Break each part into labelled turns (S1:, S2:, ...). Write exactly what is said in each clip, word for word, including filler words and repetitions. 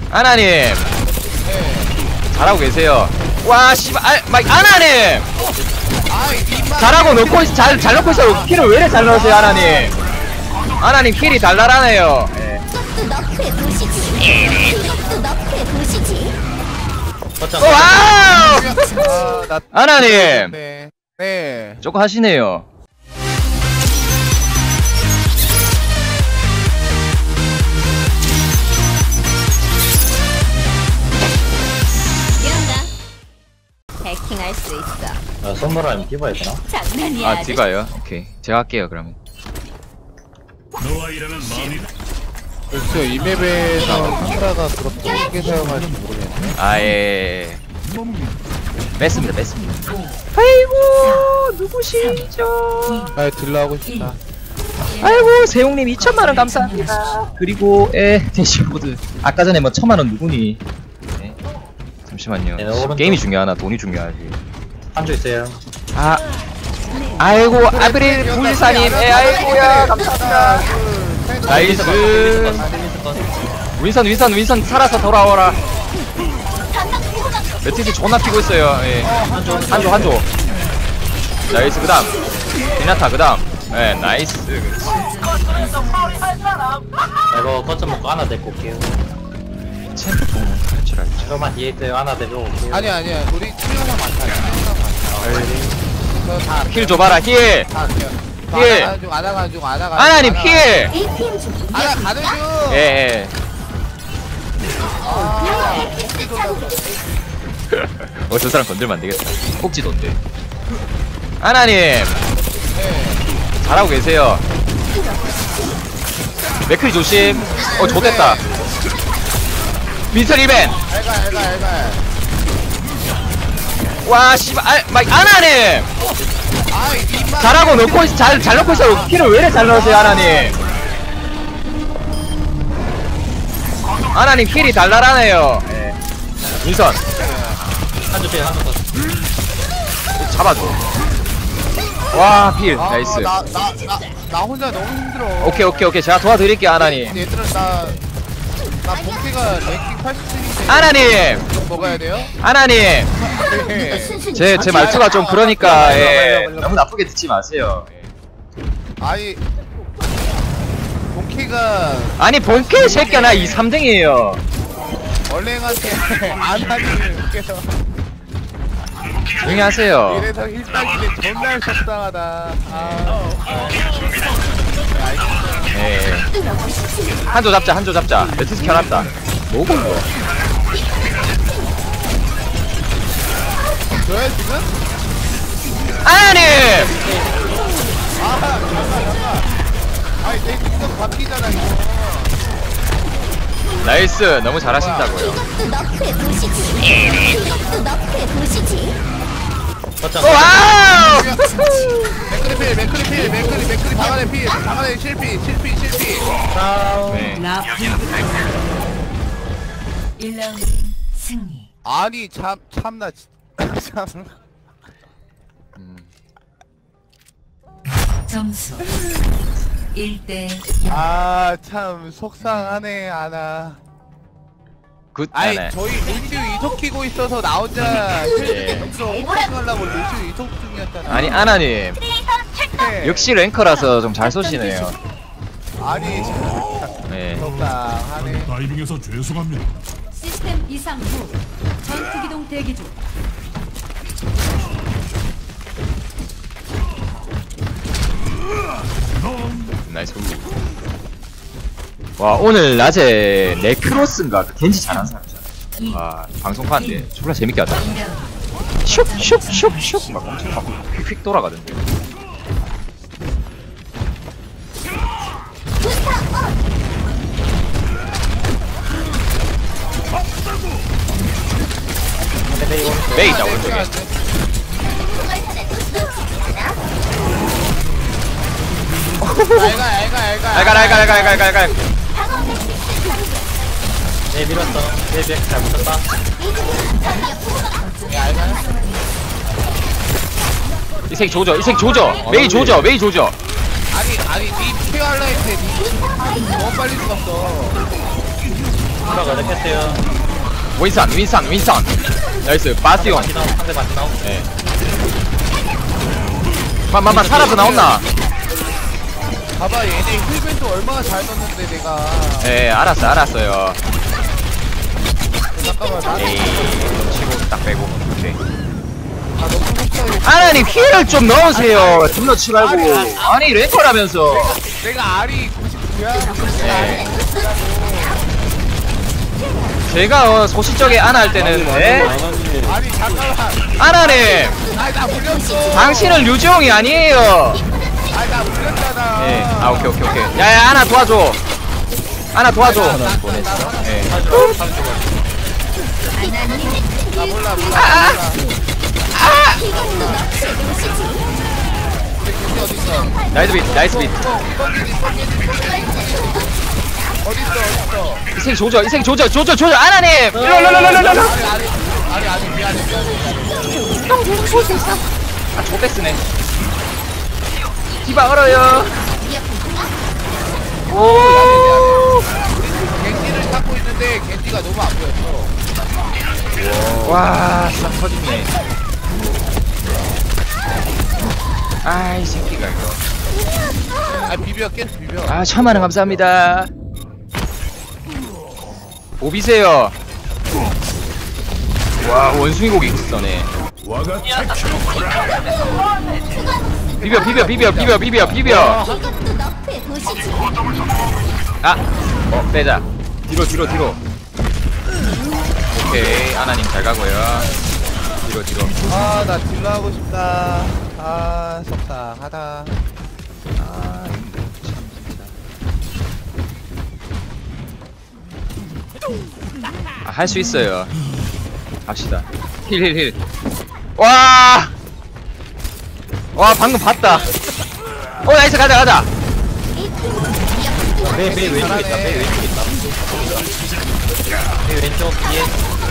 S1: 아나님. 네. 잘하고 계세요. 와 씨발 아, 막 아나님. 잘하고 넣고 있, 잘, 잘 넣고 있어. 킬을 왜 이래 잘 넣으세요 아나님. 아나님 킬이 달달하네요. 네. 와우. 아나님.
S2: 네. 네.
S1: 조금 하시네요.
S3: 해킹할 수 있어.
S4: 아, 선물하면 디바야 되나?
S3: 장난이야.
S1: 아 디바요? 오케이 제가 할게요 그러면.
S2: 글쎄요, 이 맵에서 카메라가 그렇게 어떻게 사용할지 모르겠네.
S1: 아예 뺐습니다 뺐습니다. 아이고 누구시죠?
S2: 아, 딜러 하고 싶다.
S1: 아이고 세용님 이천만원 감사합니다. 그리고 에 대시보드 아까 전에 뭐 천만원 누구니? 네. 잠시만요.
S4: 네, 오른쪽.
S1: 게임이 중요하나 돈이 중요하지.
S4: 한조 있어요.
S1: 아 아이고 아브릴 불사님 에 아이고야 감사합니다. 나이스. 윈선 윈선 윈선 살아서 돌아와라. 매트리스 존나 피고 있어요. 예. 한조 한조 한조. 나이스 그다음 디나타 그다음. 예 나이스.
S4: 이거 거점 먹고 하나 데리고 올게요.
S1: 챔프 보면 할 줄 알죠.
S4: 저만 뒤에 있어요. 하나 데리고 올게요.
S2: 아니야, 아니야. 우리 치료가 많다. 치료가 많다. 다
S1: 힐 줘봐라 힐.
S2: 다 할게요.
S1: 힐.
S2: 아나가 중, 아나가 중, 아나가
S1: 아나님 힐.
S2: 아나 가는 중.
S1: 예 예.
S2: 아,
S1: 어 저 사람 건들면 안 되겠다. 꼭지던데. 아나님.
S2: 네.
S1: 잘하고 계세요. 맥크리 조심. 어 좋댔다. 미스터 리벤.
S2: 알가, 알가, 알가.
S1: 와 씨발 아, 막 아나님.
S2: 아이, 입만.
S1: 잘하고 넣고 있, 잘, 잘 넣고 있어. 킬을 왜 이래 잘 넣으세요 아나님. 아나님 킬이 달달하네요. 예. 민선
S4: 한조 피해, 한조 더.
S1: 잡아줘. 와 필.
S2: 아,
S1: 나이스.
S2: 나, 나, 나, 나 혼자 너무 힘들어.
S1: 오케이 오케이 오케이 제가 도와드릴게요 아나님.
S2: 얘들아, 나, 나 본캐가 랭킹 팔십칠인데.
S1: 아나님.
S2: 먹어야 돼요?
S1: 아나님.
S2: 네.
S1: 제, 제 말투가 좀 그러니까 예. 너무 나쁘게 듣지 마세요. 예.
S2: 아이, 본캐가
S1: 아니 본캐 새끼야 나 이 삼 등이에요.
S2: 얼랭한테 안 하니께서
S1: 조용히 하세요.
S2: 이래서 힐따기는 존나 속상하다. 아, 네, 알겠어요.
S1: 예. 한조 잡자 한조 잡자. 매트스 켜놨다. 뭐고 이거.
S2: 저야 지금?
S1: 아나님.
S2: 아, 잠깐, 잠깐. 아니, 내 능력 바뀌잖아, 이거.
S1: 나이스 너무 잘하신다고요.
S4: 거점.
S1: 와우.
S2: 맥크리 필, 맥크리 필, 맥크리, 맥크리 방안에 필, 방안에 실피, 실피, 실피.
S4: 다운.
S1: 네.
S3: 일 라운드 승리.
S2: 아니, 참, 참나, 진- 참.
S3: 점수 일 대
S2: 아, 참, 속상하네, 아나.
S1: 굿.
S2: 아이,
S1: 네.
S2: 저희 루시우 이속 키고 있어서 나 혼자
S1: 예.
S2: 오퍼하려고 루시우 이속 중이었잖아.
S1: 아니 아나님
S2: 네.
S1: 역시 랭커라서 좀 잘 쏘시네요.
S2: 아니, 진짜
S1: 네.
S2: 속상하네.
S5: 다이빙해서 죄송합니다.
S3: 시스템 이상 후 전투 기동 대기 중.
S1: 나이스. 와 오늘 낮에 네크로스인가 그 겐지 잘한 사람이잖아. 와 방송판인데 졸라 재밌게 하다. 슉슉슉슉 막 엄청 막 휙휙 돌아가던데. 메이 있다 오른쪽에.
S2: 알가, 알가, 알가.
S1: 알갈 알갈 알갈 알갈 알갈.
S4: 네, 밀었어. 네, 네, 잘 붙었다.
S2: 네, 알가.
S1: 이 새끼 조져 이 새끼 조져. 메이 조져 메이 조져.
S2: 아니, 아니, 니 케어할라 했는데 니 너무 빨리 죽었어.
S4: 디바가 어렵겠어요.
S1: 윈선 윈선 윈선. 나이스 바스용.
S4: 반지 나오, 상대 반지 나오.
S1: 예. 만만만 살아서 나온나?
S2: 봐봐 얘네 힐밴도 얼마나 잘 썼는데 내가.
S1: 예, 알았어 알았어요.
S2: 잠깐만 나.
S1: 에이, 치고 딱 빼고. 오케이.
S2: 아 너무 속상해.
S1: 아나님 힐을 좀 넣으세요. 존나 치 말고. 아니 랭커라면서.
S2: 내가 알이 구십구야.
S1: 예. 제가 어, 소시적에 아나 할 때는 예?
S2: 아니 잠깐만.
S1: 아나님
S2: 아니 나 물렸어.
S1: 당신은 류지용이 아니에요.
S2: 아니 나 물렸잖아.
S1: 예. 아 오케이 오케이 오케이. 야야 아나 도와줘. 아나 도와줘. 예.
S4: 사주, 사주.
S2: 나 몰라 몰라.
S1: 아, 아.
S2: 몰라.
S1: 아!
S2: 근데 어디 있어?
S1: 나이스 빛 나이스 빛.
S2: 어디 있어? 어디 있어?
S1: 이 새끼 조져 이 새끼 조져 조져 조져 아나님. 일로 일로 일로 일로 일로.
S2: 아니 아니 아니 아니 미안해 미안해.
S1: 아 조백스네. 디바 얼어요. 오.
S2: 겐지를 찾고 있는데 겐지가 너무 안 보였어.
S1: 와, 싹 터지네. 아이 새끼가 이거.
S2: 아 비벼 계속 비벼.
S1: 아 천만 원 감사합니다. 오비세요. 와 원숭이 고기 써네. 비벼 비벼 비벼 비벼 비벼 비벼. 아, 어 빼자. 뒤로 뒤로 뒤로. 오케이 아나님 잘 가고요. 뒤로 뒤로.
S2: 아 나 딜러 하고 싶다. 아 속상하다. 아 이거 참 진짜.
S1: 아, 할 수 있어요. 갑시다. 힐 힐 힐. 와. 와 방금 봤다. 어 나이스 가자 가자.
S4: 매, 매 왼쪽 있다, 매 왼쪽 있다. 매 왼쪽 뒤에.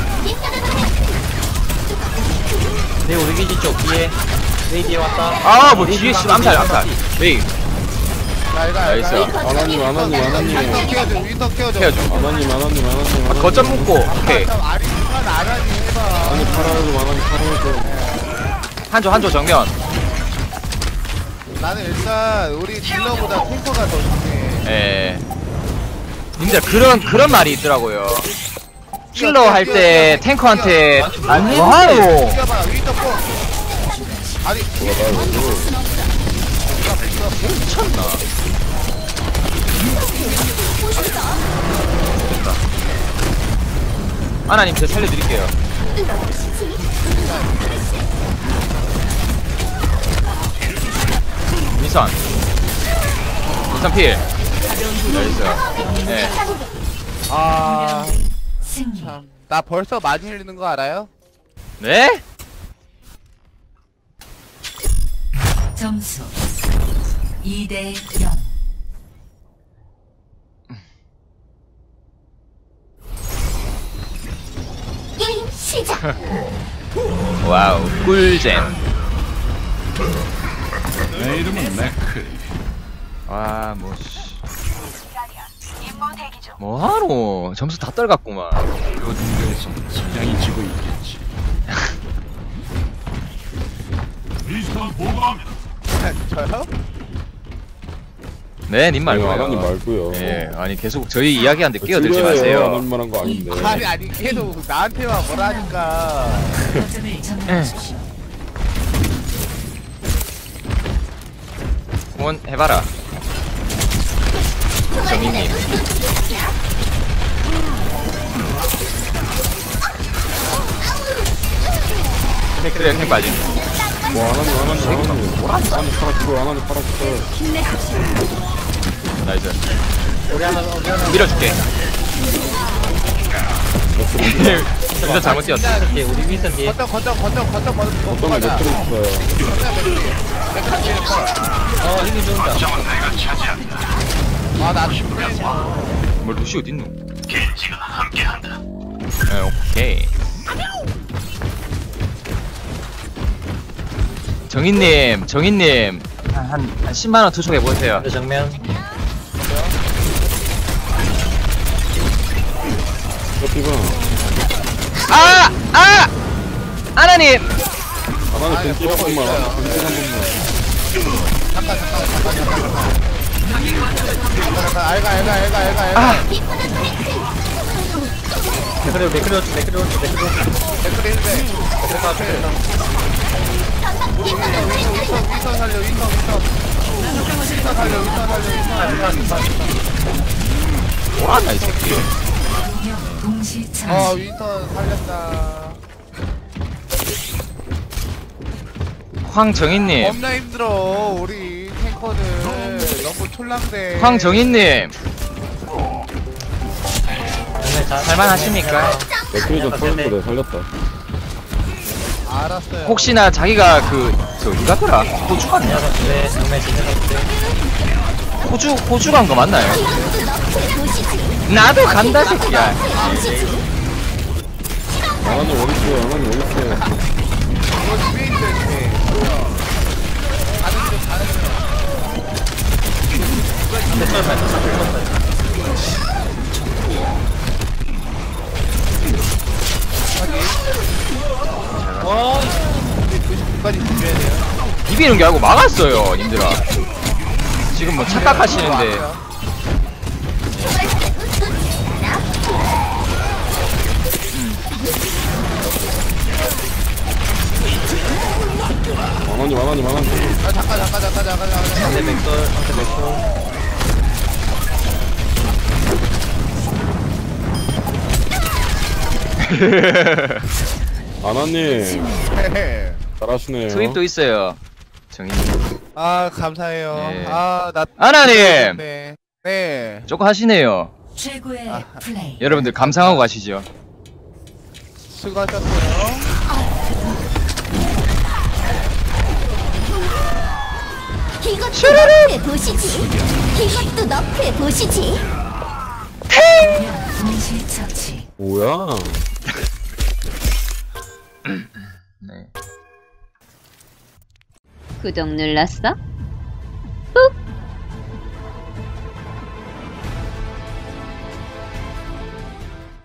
S4: 매 우리 기지 쪽 뒤에. 매 뒤에 왔다.
S1: 아 뭐 뒤에 씨 암살 암살. 메이
S2: 날가
S1: 나이스.
S5: 아나님 아나님 아나님
S2: 윈터 키워줘 윈터 키워줘.
S1: 헤어져.
S5: 아나님 아나님 아나님
S1: 아, 거점 묶고 오케이.
S2: 아리 순간 아라니 해봐.
S5: 아나님 팔아야죠 아나님 팔아야죠.
S1: 한조 한조 정면.
S2: 나는 일단 우리 딜러보다 탱커가 더 중요해.
S1: 예. 님들 그런 그런 말이 있더라고요. 킬러 할 때 탱커한테 뭐하노?
S2: 뛰어봐 윈터 포. 아니
S1: 미쳤나? 됐다. 아나님 제가 살려드릴게요. 미선 미선 필 나이스. 예.
S2: 아.
S3: 승리.
S2: 참. 나 벌써 많이 흘리는 거 알아요?
S1: 네?
S3: 점수 이 대 영. 게임 시작.
S1: 와우 꿀잼.
S5: 내 이름은 맥크.
S1: 와 뭐씨 뭐하노 점수 다 떨갔구만.
S5: 요즘 데에서 성장이 지고 있겠지.
S2: 저요?
S1: 네 님 말고요.
S5: 아나님 말고요.
S1: 예 아니 계속 저희 이야기하는데 끼어들지
S5: 아나님
S1: 마세요.
S5: 만한 거 아닌데.
S2: 아니 아니 계속 나한테만 뭐라니까.
S3: 거점을 점령하십시오.
S1: 응원 해봐라 정민님. 그래 형 빠진.
S5: 뭐 아나님 아나님 아나님 아나님 팔아주고 아나님 팔아주고.
S3: 힘내십시오.
S1: 나이스.
S4: 우리 하나, 우리 하나.
S1: 밀어줄게. 진짜 잘못 뛰었어.
S4: 윈선 뒤에, 우리 윈선 뒤에.
S2: 거점 거점 거점 거점 거점
S5: 어떤
S2: 거점
S5: 게
S2: 가자.
S5: 맥크를 있어요.
S4: 어, 힘이 좋은다.
S2: 아나
S1: 뭘 루시 어딨노? 겐지가 함께한다. 네, 오케이. 정인님, 정인님 한, 한 십만 원 투척해 보세요.
S4: 저 정면.
S5: 씨발.
S1: 아! 아! 하나님!
S5: 아, 나는 벤치 한 번만. 벤치 한 번만.
S2: 잠깐 잠깐 잠깐 잠깐 잠깐 잠깐 알가 알가 알가 알가 알가
S1: 아!
S4: 댓글이 댓글이 댓글이 댓글이
S2: 댓글에 있는데 우리 윈터 윈터 윈터 윈터 살려 윈터 윈터 윈터 살려 윈터 살려 윈터
S1: 뭐하나 이 새끼.
S3: 동시
S2: 어
S3: 처치.
S2: 윈터 살렸다
S1: 황정희님.
S2: 겁나 힘들어 우리 탱커들 너무 촐랑대
S1: 황정희님.
S4: 잘
S1: 살만하십니까?
S5: 맥크리 좀 터진 거내 살렸다.
S2: 알았어요
S1: 혹시나 자기가 그, 저, 어디 갔더라? 호주 갔냐?
S4: 네 정말 진행할게.
S1: 호주, 호주 간 거 맞나요? 나도 간다, 새끼야.
S5: 아나님 어딨어요? 아나님 어딨어요?
S2: 이거 집에 있어요 집에 가는 중 가는 중
S4: 됐어 됐어.
S2: 어? 구십 분까지 준비해야 돼요
S1: 비비는 게 아니고 막았어요, 님들아. 지금 뭐 착각하시는데.
S5: 아나님 아나님 아나님.
S2: 아 잠깐 잠깐 잠깐 잠깐 잠깐
S4: 상대 맥돌 상대 맥돌.
S5: 아나님
S2: 잠깐
S5: 잘하시네요.
S1: 투입도 있어요. 정희님.
S2: 아 감사해요
S1: 네.
S2: 아나
S1: 하나님!
S2: 네. 네.
S1: 조금 하시네요.
S3: 최고의 플레이.
S1: 여러분들 감상하고 가시죠.
S2: 수고하셨어요.
S6: 이것도 너프해 보시지. 이것도 너프해 보시지.
S3: 동시 처치.
S5: 뭐야?
S1: 네.
S6: 구독 눌렀어? 꾹.